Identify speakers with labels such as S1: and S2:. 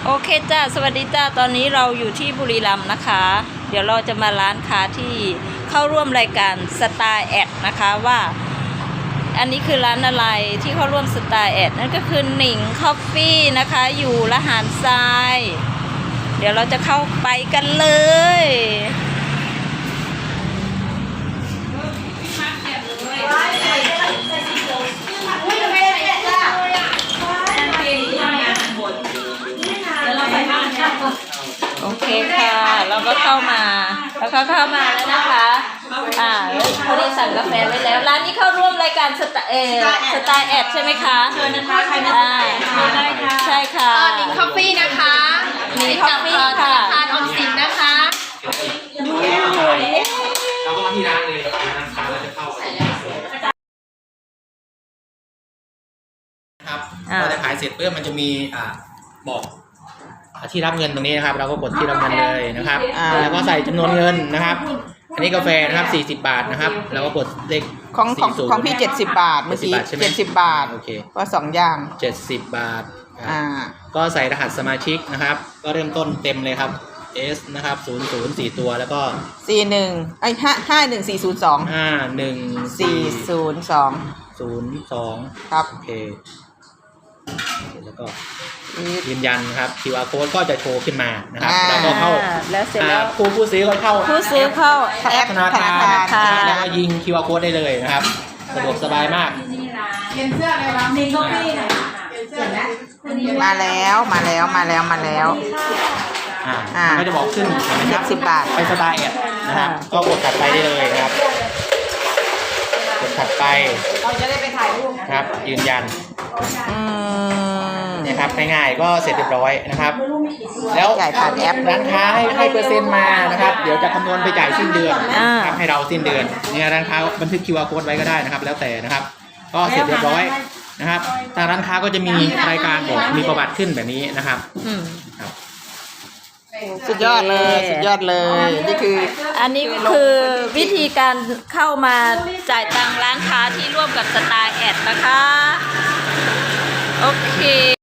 S1: โอเคจ้าสวัสดีจ้าตอนนี้เราอยู่ที่บุรีรัมย์นะคะ เดี๋ยวเราจะมาร้านค้าที่เข้าร่วมรายการสตาร์แอดนะคะว่าอันนี้คือร้านอะไรที่เข้าร่วมสตาร์แอดนั่นก็คือหนิงคอฟฟี่นะคะอยู่ละหารทรายเดี๋ยวเราจะเข้าไปกันเลยโอเคค่ะเราก็เข้ามาแล้วก็เข้ามาแล้วนะคะเขาได้สั่งกาแฟไว้แล้วร้านนี้เข้าร่วมรายการสตาร์แอดใช่ไหมคะเชิญนะคะใครมาได้ค่ะใช่ค่ะ
S2: หนิงคอฟฟี่นะคะ
S1: หนิงคอฟฟี่ค่ะ
S2: ธนาคารออมสินนะคะ
S3: เราก็มาที่ร้านเลยร้านค้าเราจะเข้าครับเราจะขายเสร็จเพื่อมันจะมีบอกที่รับเงินตรงนี้นะครับเราก็กดที่รับเงินเลยนะครับแล้วก็ใส่จำนวนเงินนะครับอันนี้กาแฟนะครับ40 บาทนะครับแล้วก็กดเลข
S4: ของพี่70 บาทเมื่อกี้70 บาท
S3: โอเค
S4: ก็2อย่าง
S3: 70 บาทก็ใส่รหัสสมาชิกนะครับก็เริ่มต้นเต็มเลยครับ S นะครับ00 4 ตัวแล้วก็
S4: 41
S3: 51402
S4: ครับ
S3: โอเคแล้วก็ยืนยันครับ QR code ก็จะโชว์ขึ้นมานะครับแล้วก็เข้า
S1: แล้วเสร็จแล้ว
S3: ผู้ซื้อก็เข้า
S4: แอป
S3: ธนาคารแล้วก็ยิง QR code ได้เลยนะครับสะดวกสบายมาก
S2: เปลี่ยนเสื้อเลยนะหนิงคอฟฟี่หน่อยเปลี่ยนเสื้อนะ
S4: มาแล้วมัน
S3: ก็จะบอกขึ้น
S4: 70 บาท
S3: ไปสไตล์นะครับก็กดถัดไปได้เลยนะครับกดถัดไป
S2: เราจะได้ไปถ่ายรูป
S3: ครับยืนยันเนี่ยครับง่ายๆก็เสร็จเรียบร้อยนะครับแล้วร้านค้าให้เปอร์เซ็นต์มานะครับเดี๋ยวจะคำนวณไปจ่ายสิ้นเดือนครับให้เราสิ้นเดือนเนี่ยร้านค้าบันทึก QR code ไว้ก็ได้นะครับแล้วแต่นะครับก็เสร็จเรียบร้อยนะครับทางร้านค้าก็จะมีรายการบอกมีประวัติขึ้นแบบนี้นะครับครับ
S4: สุดยอดเลยนี่คือ
S1: อันนี้คือวิธีการเข้ามาจ่ายตังค์ร้านค้าที่ร่วมกับสตาร์แอดนะคะโอเค